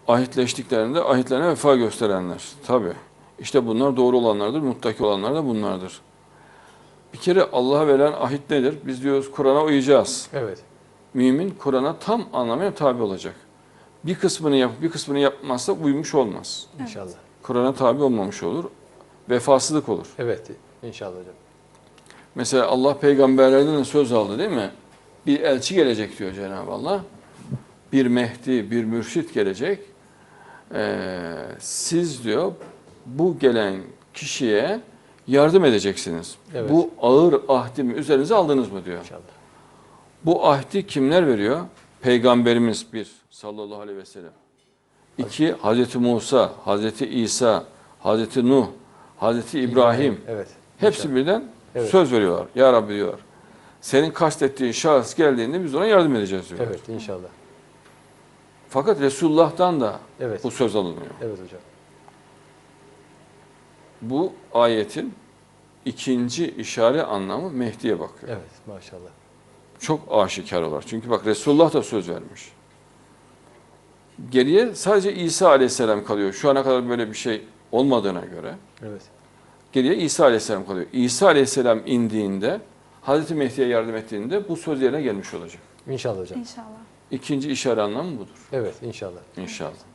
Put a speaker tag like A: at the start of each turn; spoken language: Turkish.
A: ahitleştiklerinde ahitlerine vefa gösterenler. Tabii. İşte bunlar doğru olanlardır, muttaki olanlar da bunlardır. Bir kere Allah'a verilen ahit nedir? Biz diyoruz Kur'an'a uyacağız.
B: Evet.
A: Mümin Kur'an'a tam anlamıyla tabi olacak. Bir kısmını yapıp bir kısmını yapmazsa uymuş olmaz.
B: İnşallah.
A: Kur'an'a tabi olmamış olur. Vefasızlık olur.
B: Evet. İnşallah hocam.
A: Mesela Allah peygamberlerden de söz aldı değil mi? Bir elçi gelecek diyor Cenab-ı Allah. Bir Mehdi, bir mürşit gelecek. Siz diyor bu gelen kişiye yardım edeceksiniz.
B: Evet.
A: Bu ağır ahdimi üzerinize aldınız mı diyor.
B: İnşallah.
A: Bu ahdi kimler veriyor? Peygamberimiz bir sallallahu aleyhi ve sellem. İki Hazreti Musa, Hazreti İsa, Hazreti Nuh, Hazreti İbrahim.
B: Evet.
A: Hepsi
B: İnşallah.
A: birden
B: Evet.
A: söz veriyorlar. Ya Rabbi diyorlar. Senin kastettiğin şahıs geldiğinde biz ona yardım edeceğiz diyorlar.
B: Evet inşallah.
A: Fakat Resulullah'tan da
B: Evet.
A: bu söz alınıyor.
B: Evet hocam.
A: Bu ayetin ikinci işare anlamı Mehdi'ye bakıyor.
B: Evet maşallah.
A: Çok aşikar olarak. Çünkü bak Resulullah da söz vermiş. Geriye sadece İsa Aleyhisselam kalıyor. Şu ana kadar böyle bir şey olmadığına göre
B: Evet.
A: geriye İsa Aleyhisselam kalıyor. İsa Aleyhisselam indiğinde, Hazreti Mehdi'ye yardım ettiğinde bu söz yerine gelmiş olacak.
B: İnşallah hocam.
C: İnşallah.
A: İkinci işare anlamı budur.
B: Evet inşallah.
A: İnşallah.